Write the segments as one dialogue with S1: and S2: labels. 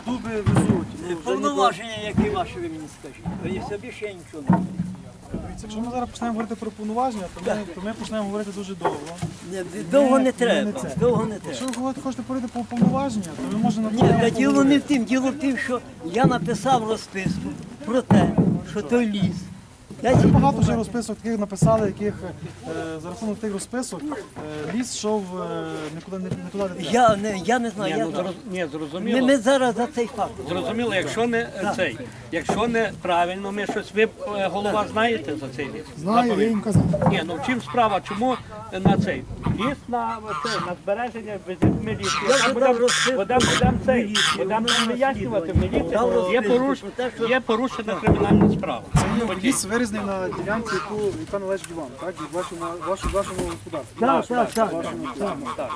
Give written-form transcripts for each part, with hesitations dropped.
S1: дуби везуть.
S2: Повноваження, які ваші, ви мені скажіть. І собі ще нічого не буде.
S1: Якщо ми зараз почнемо говорити про повноваження, то ми почнемо говорити дуже довго.
S2: Довго не треба, довго не
S1: Якщо
S2: треба.
S1: ви хочете говорити про повноваження, то ви можете на
S2: Ні, та діло не в тим. Діло в тим, що я написав розписку про те, що той ліс.
S1: Багато вже розписок таких написали, яких за рахунок тих розписок ліс йшов нікуди не туди.
S2: Я не знаю.
S3: Ні, зрозуміло.
S2: Ми зараз за цей факт.
S3: Зрозуміло, якщо не правильно, ми щось, ви голова знаєте за цей ліс?
S4: Знаю, я їм казав.
S3: Ні, ну в чим справа, чому на цей? Ліс на збереження, ми ліс. Будемо вияснювати, в міліції є порушена кримінальна справа.
S1: Ліс вирізаний на ділянці, яка належить вам, так? Вашому господарству.
S2: Так.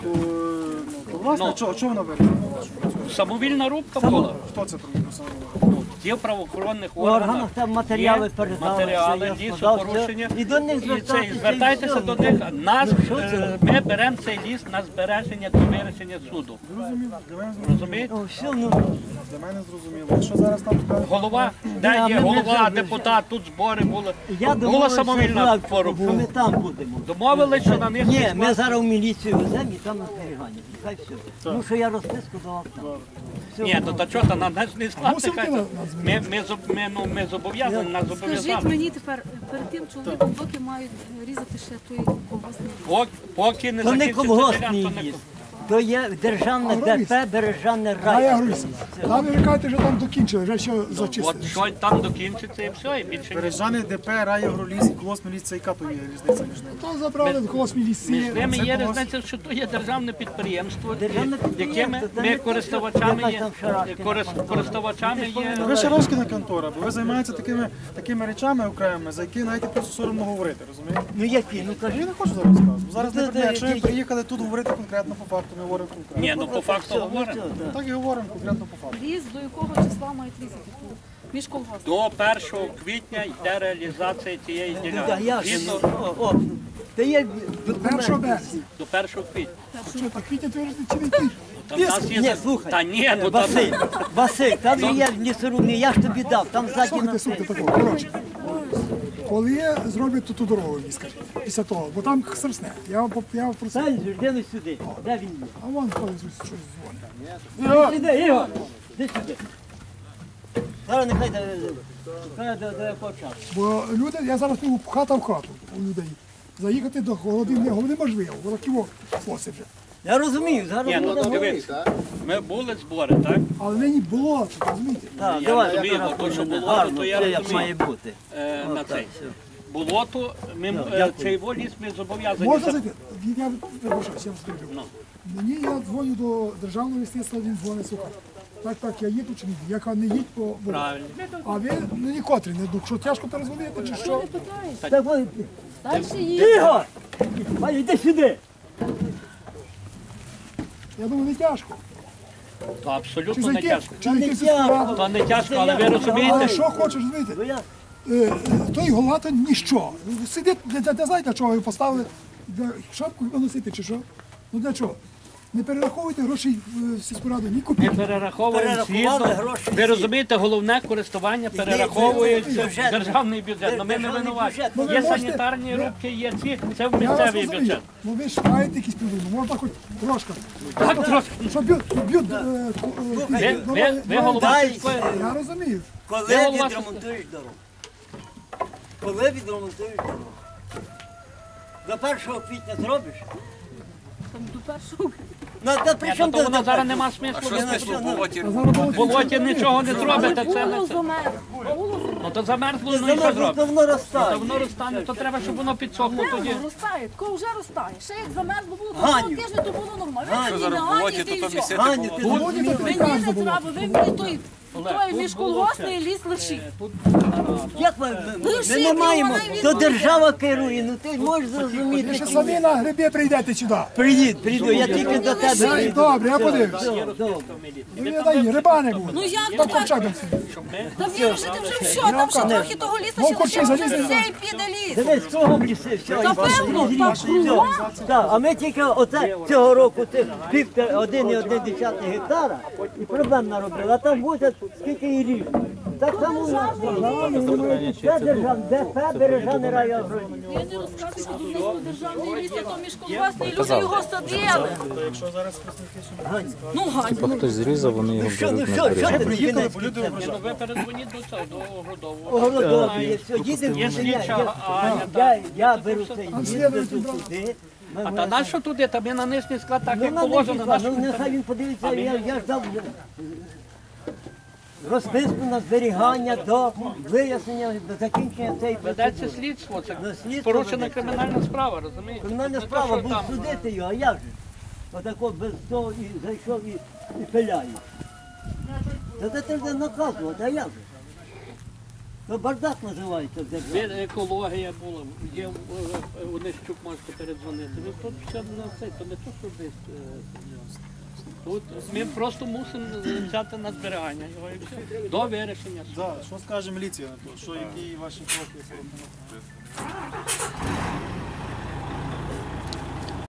S1: То власне, чого вона вирізана?
S3: Самовільна рубка була.
S1: Хто це зробив?
S3: Є в правоохоронних
S2: В органах
S3: органах,
S2: там матеріали
S3: є
S2: передали.
S3: матеріали, лісопорушення.
S2: І до них
S3: Звертайтеся до них. Ми беремо цей ліс на збереження до вирішення суду.
S1: Зрозуміло.
S3: Розумієте?
S2: Все, ну,
S1: Для мене зрозуміло. Що зараз там скажуть?
S3: Голова, де є голова, депутат, тут збори були. Була самовільна
S2: що ми
S3: форма.
S2: там будемо.
S3: Домовились, що на них...
S2: Ні, ми зараз в міліцію веземо і там на зберігання. Хай все. Тому що я розписку давав там. Все.
S3: Ні, то чого, то на нас не складно. Ми зобов'язані, нас
S5: Скажіть
S3: зобов'язали.
S5: мені тепер, перед тим чоловіком, поки мають різати ще той колгоспний.
S3: Поки не
S2: То не
S3: закінчиться
S2: колгоспний
S3: ділянка,
S2: ліс. То є державне ДП, Бережане
S4: А я
S2: рай.
S4: говорю, там ви кажете, що там докінчили, вже що
S3: От
S4: зачистили.
S3: що там докінчиться і все, і більше ні.
S1: Бережани ДП, Райагроліс і Колосний ліс, це яка то є різниця між ними?
S4: То забрали колгоспні ліси.
S3: Між ними
S1: Це
S3: є
S1: когось-
S3: різниця, що то є державне підприємство,
S2: Державне
S3: якими
S2: підприємство, це
S3: ми
S2: не
S3: користувачами
S2: те,
S3: є.
S2: що там Шарашкіна.
S3: Користувачами є.
S1: Ви Шарашкіна контора, бо ви займаєтеся такими речами окремими, за які навіть просто соромно говорити, розумієте?
S2: Ну які, ну
S1: Я
S2: кажи.
S1: не хочу зараз сказати. Зараз
S2: Ну,
S1: не
S2: то-
S1: про те, якщо ви
S2: то-
S1: приїхали тут говорити конкретно по факту, ми говоримо конкретно.
S3: Ні, ну по факту говоримо.
S1: Так і говоримо конкретно по факту.
S5: Ліс до якого числа мають різати? Між колгоспом.
S3: До 1 квітня йде реалізація цієї
S2: Да,
S3: ділянки.
S2: я ж.
S3: Згідно
S2: Та є
S4: 1
S2: документи.
S4: березня.
S3: до 1 квітня.
S4: Що, так квітня твердить чи не квітня?
S3: Там в нас є...
S2: Ні, слухай.
S3: Та ні, ну там...
S2: Василь, там є лісорубний, я ж тобі дав, там ззаді на
S4: Слухайте такого, коротше. Коли зроблять ту дорогу, мені скажіть, після того, бо там срсне. Я вам про це.
S2: Сань, жди сюди. Де він є?
S4: А вон коли щось дзвонить.
S2: Іди, Ігор, іди сюди. Зараз нехай до якого часу.
S4: Бо люди, я зараз пливу хата в хату у людей. Заїхати до Голодинного неможливо, років хлопці вже.
S2: Я розумію, зараз
S3: Ні, ну
S2: буде.
S3: дивись, ми були збори, так?
S4: Але нині було, розумієте?
S2: Так,
S3: Я
S2: давай,
S3: розумію,
S2: зараз
S3: бо то, що
S2: буде
S3: було,
S2: гарно,
S3: то я
S2: все як
S3: розумію.
S2: має бути.
S3: На цей. Болото, цей воліс ми зобов'язані.
S4: Можна зайти? Я перепрошую, я вас перебив. Мені я дзвоню до державного лісництва, він дзвонить, слухай. Так, я їду чи ні? Я кажу, не їдь по болоту.
S3: Правильно.
S4: А ви ні котрі не дух, що тяжко перезвонити чи що?
S2: Так, ой,
S5: Далі їдь.
S2: Ігор! Ваня, йди сюди!
S4: Я думаю, не тяжко.
S3: То
S4: Чи
S3: абсолютно не
S4: зайти,
S3: тяжко.
S4: чи зайти
S2: не
S4: в сільську раду.
S3: То не тяжко, але ви
S4: Але
S3: розумієте,
S4: що хочеш, розумієте?
S2: Ну, я-
S4: Той голова то ніщо. Сидить, не знає, для чого його поставили. Шапку носити чи що? Ну для чого? Не перераховуйте грошей в сільську раду, ні
S3: ми
S4: копійки.
S3: перераховуємо
S2: Перерахували
S3: згідно.
S2: гроші
S3: Ви
S2: всі.
S3: розумієте, головне користування перераховується в
S2: бюджет.
S3: державний бюджет. Ну ми не
S2: Державний
S3: винуваті.
S2: бюджет.
S4: Ну, ви
S3: Є
S4: можете-
S3: санітарні рубки, є ці, це в
S4: Я вас
S3: місцевий
S4: розумію.
S3: бюджет.
S4: Ну ви ж маєте якісь придумки, можна хоч трошки.
S3: Так, трошки.
S4: Щоб б'ють
S3: Ви голова
S2: Дай.
S3: сільської.
S4: Я розумію.
S2: Коли
S3: Де голова
S2: відремонтуєш дорогу? Коли відремонтуєш дорогу? До 1 квітня зробиш?
S5: Там до першого.
S2: Ну, та при чому
S3: То воно
S2: до
S3: зараз нема смислу.
S4: А
S3: В болоті нічого не зробите. Це не
S5: Було
S3: це.
S5: замер.
S3: Ну то замерзло, ну і що
S2: Замерзло,
S3: зробити?
S2: то воно розтане.
S3: То воно розтане, то треба, щоб воно підсохло тоді.
S5: Воно розтає, тако вже розтає. Ще як замерзло було, то
S2: Ганю.
S5: тижня то було нормально.
S2: Ганю.
S5: Ви зараз в болоті, то і все.
S2: Гані, ти
S4: Володі
S2: розумієш?
S4: то
S5: Мені
S4: прекрасно
S5: не
S4: було.
S5: треба, ви мені той
S3: Олег,
S5: Той
S3: тут
S5: міжколгоспний ліс лишив.
S3: Тут
S2: Як ми не маємо, то держава керує, ну ти можеш
S4: Ви
S2: зрозуміти.
S4: ще самі на гриби прийдете сюди.
S2: Прийду, я тільки до тебе
S4: Дай,
S2: прийду.
S4: добре, я подивлюся. Ну, я даю, риба не буде.
S5: Ну як
S4: Та
S5: то
S4: ковчак
S5: так?
S4: би
S5: Та вірусити вже все, там ще трохи того лісу,
S4: Ну,
S5: ще
S4: корчі
S5: лише
S4: залізли.
S5: все і піде ліс.
S2: Дивись, кругом ліси, все.
S5: Та певно, так кругом.
S2: Так, а ми тільки оце цього року це 1,1 гектара і проблем наробили, а там буде скільки і рік. Так само у нас. Це державне, ДФ Бережаний райагрон.
S5: Я не розказую, що тут не державний ліс, а то міжколгоспний, люди його садили.
S1: Якщо зараз представники
S5: Ну, Ганю.
S6: Хтось зрізав, вони його
S2: Що, ну
S6: беруть на
S2: що, що
S6: зберігання.
S2: ти
S1: приїхали,
S2: кінець
S1: бо люди
S2: кінцем?
S3: ну, ви передзвоніть до цього, до Огородового.
S2: Огородові, все, їдемо.
S3: Є слідча Аня,
S2: Я беру цей, їду туди.
S3: А та на що туди? Та ми на нижній склад так, як
S2: Ну,
S3: положено. на що
S2: ну
S3: ми
S2: нехай
S3: там?
S2: він подивиться, я ж дав розписку на зберігання до вияснення, до закінчення цієї
S3: Ведеться
S2: процедури.
S3: слідство, це
S2: Ну, слідство
S3: порушена
S2: ведеться.
S3: кримінальна справа, розумієте?
S2: Кримінальна
S3: Не то,
S2: справа,
S3: що
S2: був
S3: там,
S2: судити його, а як же? Отако без того і зайшов і пиляє. Та це треба наказувати, а як же? То бардак називається в державі.
S3: Екологія була, є у Нищук можете передзвонити. Ну тут все на це, то не то, що десь. Тут ми просто мусимо взяти на зберігання його і все. До вирішення.
S1: Да, що скаже міліція на то? Що які ваші кроки?